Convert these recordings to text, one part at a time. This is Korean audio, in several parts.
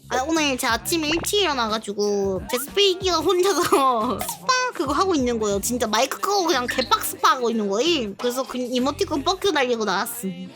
오늘 제 아침에 일찍 일어나가지고 제 스페이기가 혼자서 스파 그거 하고 있는 거예요. 진짜 마이크 끄고 그냥 개빡 스파 하고 있는 거임. 그래서 그 이모티콘 뻑큐 날리고 나왔음.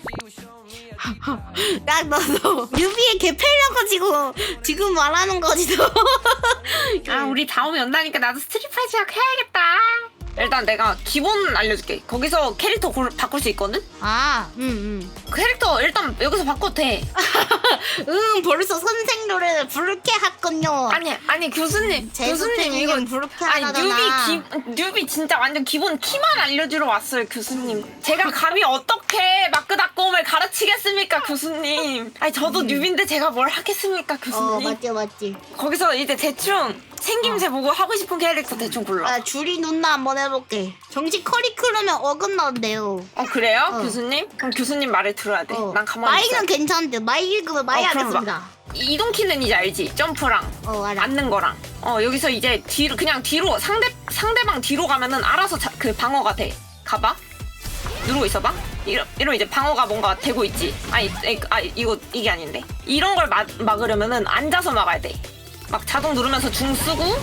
야 너도 유비의 개패려가지고 지금 말하는 거지 너. 아 우리 다음에 연다니까 나도 스트릿파이즈 해야겠다. 일단 내가 기본 알려줄게. 거기서 캐릭터 바꿀 수 있거든? 캐릭터 일단 여기서 바꿔도 돼. 벌써 선생 노래를 부르게 했군요. 아니 교수님 이거 부르게 아니 하잖아. 뉴비 진짜 완전 기본 키만 알려주러 왔어요 교수님. 제가 감히 어떻게 마크닷컴을 가르치겠습니까 교수님. 아니 저도 뉴비인데 제가 뭘 하겠습니까 교수님. 맞지. 거기서 이제 대충 생김새 보고 하고 싶은 캐릭터 대충 골라. 줄이 눈나 한번 해볼게. 정식 커리큘럼에 어긋난대요. 그래요? 어. 교수님? 그럼 교수님 말을 들어야 돼. 난 가만히 있어. 마이는 괜찮은데 마이 읽으면 마이 그럼 하겠습니다. 이동키는 이제 알지? 점프랑 알아. 앉는 거랑. 여기서 이제 뒤로 그냥 뒤로 상대방 뒤로 가면은 알아서 그 방어가 돼. 가봐. 누르고 있어봐. 이러면 이제 방어가 뭔가 되고 있지. 이게 아닌데. 이런 걸 막으려면은 앉아서 막아야 돼. 막 자동 누르면서 중 쓰고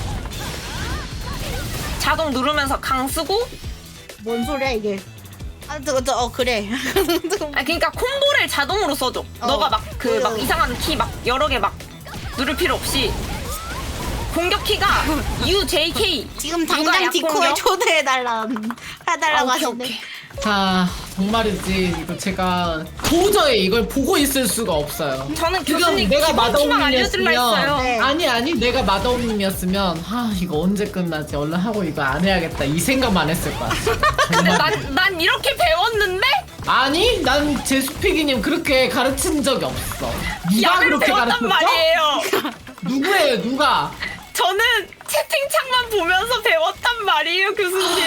자동 누르면서 강 쓰고. 뭔 소리야 이게? 그래. 그러니까 콤보를 자동으로 써줘. 너가 막 이상한 키 막 여러 개 막 누를 필요 없이 공격 키가 U, J, K. 지금 당장 디코에 초대해달라고 하는데. 오케이. 자, 정말이지. 이거 제가 도저히 이걸 보고 있을 수가 없어요. 저는 지금 교수님 내가 기본 키만 알려줄라 했어요. 마더님이었으면 네. 아니 내가 마더님이었으면 이거 언제 끝나지? 얼른 하고 이거 안 해야겠다 이 생각만 했을 거야. 근데 정말. 난 이렇게 배웠는데? 아니 난 제수피기님 그렇게 가르친 적이 없어. 누가 약을 그렇게 배웠단 가르쳤어? 말이에요. 누구예요 누가? 저는 채팅창만 보면서 배웠단 말이에요 교수님.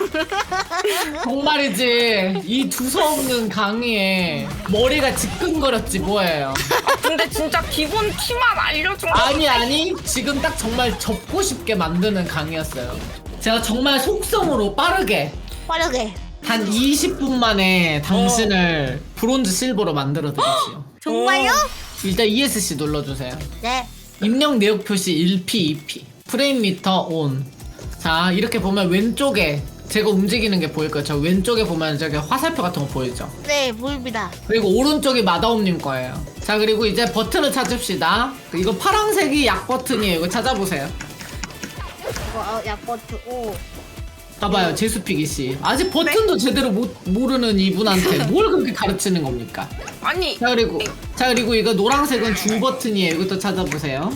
정말이지 이 두서없는 강의에 머리가 지끈거렸지 뭐예요. 근데 진짜 기본 키만 알려준 거. 아니 지금 딱 정말 접고 싶게 만드는 강의였어요. 제가 정말 속성으로 빠르게 한 20분 만에 당신을 브론즈 실버로 만들어 드리지요. 정말요? 일단 ESC 눌러주세요. 네. 입력 내역 표시 1P, 2P 프레임 미터 온. 자 이렇게 보면 왼쪽에 제가 움직이는 게 보일 거예요. 저 왼쪽에 보면 저기 화살표 같은 거 보이죠? 네, 보입니다. 그리고 오른쪽이 마다옴님 거예요. 자 그리고 이제 버튼을 찾읍시다. 이거 파란색이 약 버튼이에요. 이거 찾아보세요. 이거 약버트 O. 봐봐요 제수피기씨 아직 버튼도 제대로 모르는 이분한테 뭘 그렇게 가르치는 겁니까? 아니 자 그리고 이거 노란색은 중 버튼이에요. 이것도 찾아보세요.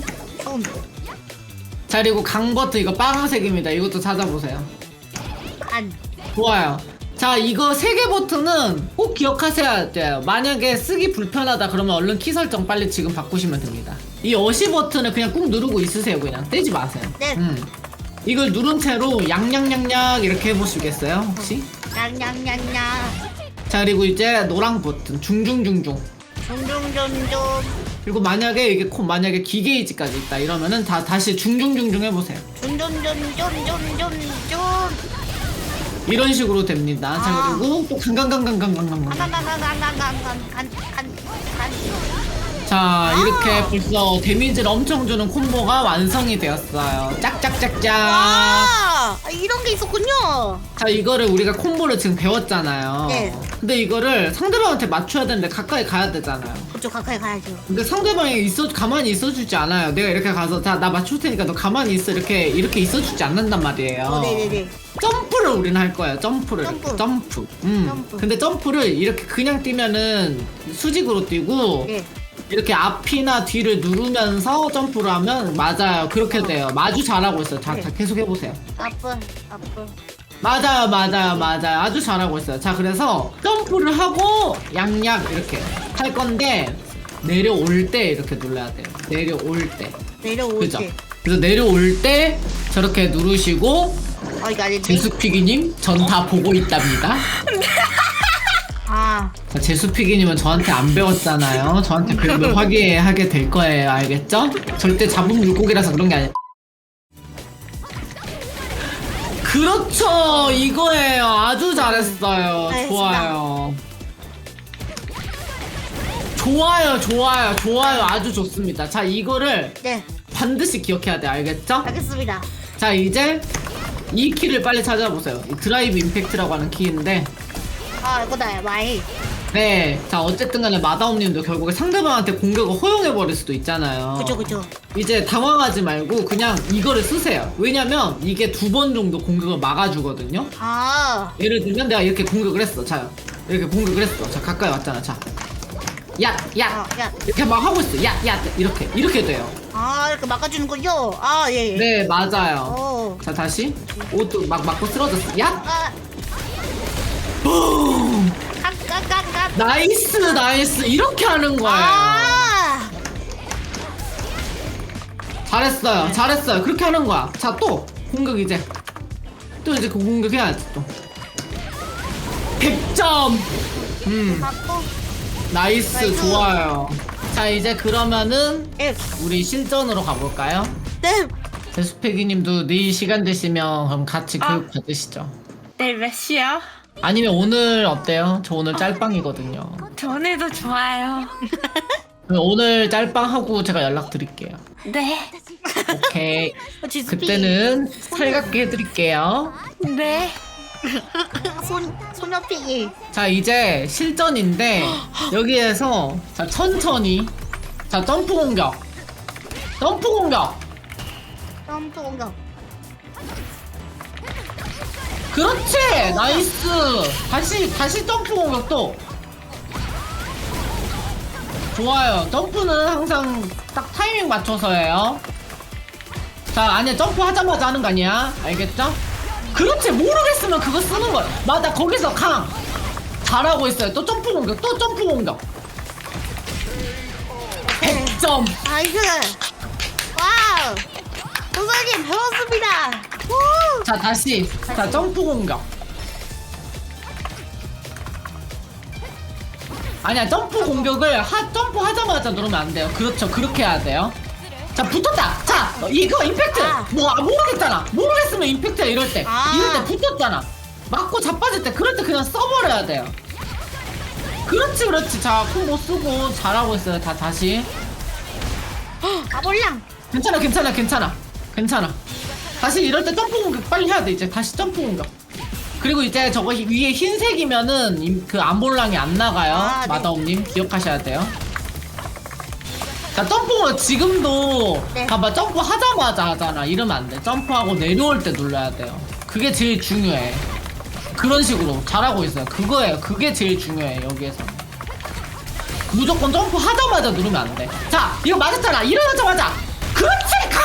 자 그리고 강 버튼 이거 빨간색입니다. 이것도 찾아보세요. 좋아요. 자 이거 3개 버튼은 꼭 기억하셔야 돼요. 만약에 쓰기 불편하다 그러면 얼른 키 설정 빨리 지금 바꾸시면 됩니다. 이 어시 버튼을 그냥 꾹 누르고 있으세요. 그냥 떼지 마세요. 네. 이걸 누른 채로 양양양양 이렇게 해보시겠어요 혹시? 냥냥냥냥. 자 그리고 이제 노랑 버튼 중중중중. 중중중중. 그리고 만약에 이게 만약에 기게이지까지 있다 이러면은 다시 중중중중 해보세요. 중중중중중중중. 이런 식으로 됩니다. 자 그리고 또 강강강강강강강. 자 이렇게 벌써 데미지를 엄청 주는 콤보가 완성이 되었어요. 짝짝짝짝. 이런 게 있었군요. 자 이거를 우리가 콤보를 지금 배웠잖아요. 네. 근데 이거를 상대방한테 맞춰야 되는데 가까이 가야 되잖아요. 그쪽 가까이 가야죠. 근데 상대방이 가만히 있어주지 않아요. 내가 이렇게 가서 자 나 맞출 테니까 너 가만히 있어 이렇게 있어주지 않는단 말이에요. 네네네. 점프를 우리는 할 거예요. 점프를. 점프. 점프. 점프. 근데 점프를 이렇게 그냥 뛰면은 수직으로 뛰고 네. 이렇게 앞이나 뒤를 누르면서 점프를 하면 맞아요. 그렇게 돼요. 마주 잘하고 있어요. 자 계속 해보세요. 앞을. 맞아요. 아주 잘하고 있어요. 자 그래서 점프를 하고 양약 이렇게 할 건데 내려올 때 이렇게 눌러야 돼요. 내려올 때. 내려올 그죠? 때. 그래서 내려올 때 저렇게 누르시고 이거 아니지? 제수피기님 전 다 보고 있답니다. 자, 제수피기님은 저한테 안 배웠잖아요. 저한테 배우면 화기애애하게 될 거예요. 알겠죠? 절대 잡은 물고기라서 그런 게 아니에요. 그렇죠 이거예요. 아주 잘했어요. 알겠습니다. 좋아요. 좋아요, 좋아요, 좋아요. 아주 좋습니다. 자, 이거를 네, 반드시 기억해야 돼. 알겠죠? 알겠습니다. 자, 이제 이 키를 빨리 찾아보세요. 이 드라이브 임팩트라고 하는 키인데, 아, 이거다, 마이. 네. 자, 어쨌든 간에 마다옴님도 결국에 상대방한테 공격을 허용해버릴 수도 있잖아요. 그죠. 이제 당황하지 말고 그냥 이거를 쓰세요. 왜냐면 이게 2번 정도 공격을 막아주거든요. 아, 예를 들면 내가 이렇게 공격을 했어. 자, 이렇게 공격을 했어. 자, 가까이 왔잖아. 자, 야, 야. 이렇게 막 하고 있어. 야, 이렇게 돼요. 아, 이렇게 막아주는군요. 아, 예. 네, 맞아요. 오. 자, 다시 옷도 막 맞고 쓰러졌어. 야, 아, 뿡. 갓. 나이스. 이렇게 하는 거예요. 아, 잘했어요. 그렇게 하는 거야. 자, 또 공격 이제 또 이제 그 공격 해야지 또. 100점. 맞고. 나이스. 나이스. 좋아요. 자, 이제 그러면은 예. 우리 실전으로 가볼까요? 네. 제수pe기님도 내일 시간 되시면 그럼 같이 교육 받으시죠. 내일 몇 시야? 아니면 오늘 어때요? 저 오늘 짤방이거든요. 전에도 좋아요. 그럼 오늘 짤방하고 제가 연락드릴게요. 네. 오케이. 지스피. 그때는 살갑게 해드릴게요. 네. 소녀피기. 자, 이제 실전인데 여기에서 자, 천천히 자, 점프 공격. 점프 공격. 그렇지. 나이스. 다시 점프 공격 또. 좋아요. 점프는 항상 딱 타이밍 맞춰서 해요. 자, 아니야, 점프 하자마자 하는 거 아니야. 알겠죠? 그렇지. 모르겠으면 그거 쓰는 거야. 맞아. 거기서 강. 잘하고 있어요. 또 점프 공격. 100점. 나이스. 와우. 선생님 배웠습니다. 우. 자, 다시. 자, 점프 공격. 아니야, 점프 공격을 점프 하자마자 누르면 안 돼요. 그렇죠. 그렇게 해야 돼요. 자, 붙었다. 자, 이거 임팩트. 아. 모르겠잖아. 모르겠으면 임팩트야, 이럴 때. 아. 이럴 때 붙었잖아. 맞고 자빠질 때, 그럴 때 그냥 써버려야 돼요. 그렇지. 자, 콤보 쓰고 잘하고 있어요. 다시. 아볼랑. 괜찮아. 다시 이럴 때 점프 공격 빨리 해야 돼. 이제 다시 점프 공격. 그리고 이제 저거 위에 흰색이면은 그 암볼랑이 안 나가요. 아, 네. 마다옴님 기억하셔야 돼요. 자, 점프 지금도 네. 봐봐, 점프 하자마자 하잖아. 이러면 안 돼. 점프하고 내려올 때 눌러야 돼요. 그게 제일 중요해. 그런 식으로 잘하고 있어요. 그거예요. 그게 제일 중요해. 여기에서 무조건 점프 하자마자 누르면 안 돼. 자, 이거 맞았잖아. 일어나자마자. 그렇지. 가.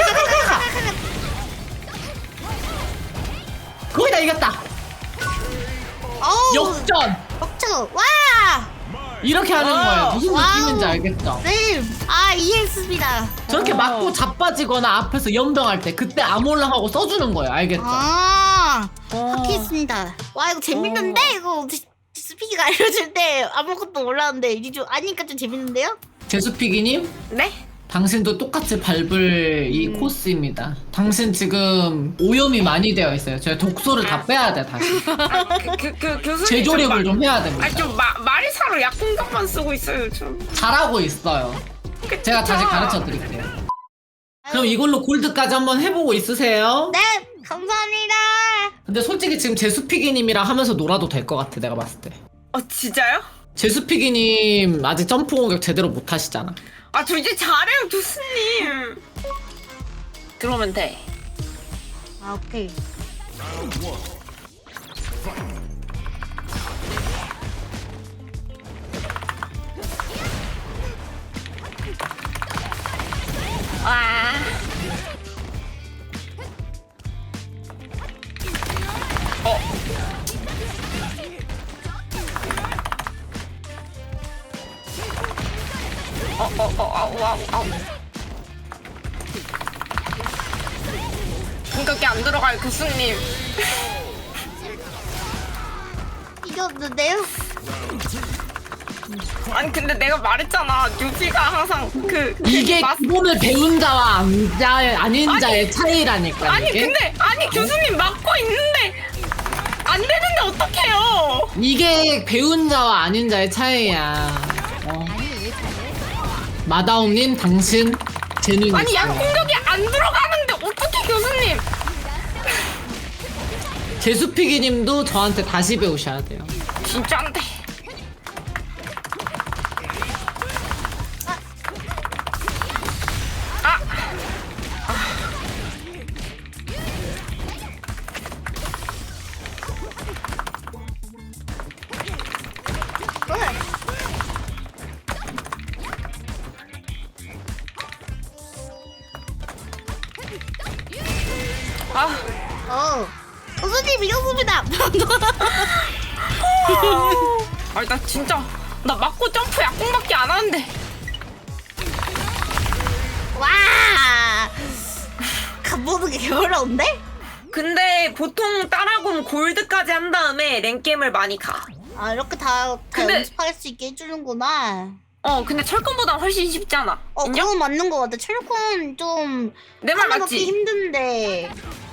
거의 다 이겼다. 어우. 역전. 역전. 와. 이렇게 하는 거예요. 무슨 와우. 느낌인지 알겠죠? 네. 아, 이해했습니다. 저렇게 맞고 자빠지거나 앞에서 연병할 때 그때 아몰랑하고 써주는 거예요. 알겠죠? 아, 확인했습니다. 와, 이거 재밌는데? 이거 스피기가 알려줄 때 아무것도 몰랐는데 이제 좀 아니까 좀 재밌는데요? 제수피기님, 네? 당신도 똑같이 밟을 이 코스입니다. 당신 지금 오염이 많이 되어 있어요. 제가 독소를 다 빼야 돼, 다시. 교수님. 재조립을 좀 해야 됩니다. 좀 마리사로 약공격만 쓰고 있어요, 좀. 잘하고 있어요. 제가 다시 가르쳐 드릴게요. 그럼 이걸로 골드까지 한번 해보고 있으세요? 네, 감사합니다. 근데 솔직히 지금 제수피기님이랑 하면서 놀아도 될 것 같아, 내가 봤을 때. 진짜요? 제수피기님 아직 점프 공격 제대로 못 하시잖아. 저 이제 잘해요, 교수님. 들어오면 돼. 아, 오케이. 와. 와우. 공격이 안 들어가요, 교수님. 이겼는데요? 아니 근데 내가 말했잖아, 뉴비가 항상 이게 기본을 배운 자와 아닌 자의 차이라니까. 아니 이게. 근데 교수님 막고 있는데 안 되는데 어떡해요? 이게 배운 자와 아닌 자의 차이야. 아니, 마다옴님 당신 재능 아니 있어요. 양공격이 안 들어가는데 어떻게 교수님? 제수피기님도 저한테 다시 배우셔야 돼요. 진짜 안 돼. 아. 교수님 이겼습니다. 아니 나 진짜 나 맞고 점프 약공밖에 안 하는데. 와, 가보는 게 어려운데? 근데 보통 따라군 골드까지 한 다음에 랭겜을 많이 가. 아 이렇게 다 근데- 연습할 수 있게 해주는구나. 근데 철권보다 훨씬 쉽지 않아. 인정? 그건 맞는 것 같아. 철권 좀 내 말 하는 맞지? 것도 힘든데.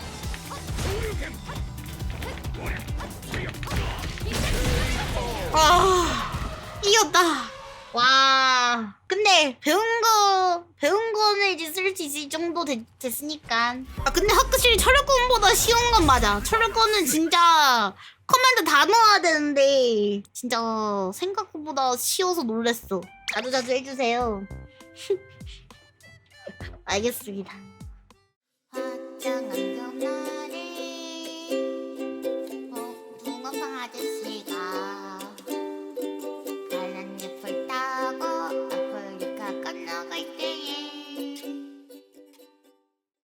이겼다. 와. 근데 배운 거는 이제 쓸 수 있을 정도 됐으니까. 근데 확실히 철권보다 쉬운 건 맞아. 철권은 진짜 커맨드 다 넣어야 되는데 진짜 생각보다 쉬워서 놀랬어. 자주자주 해주세요. 알겠습니다. 화장한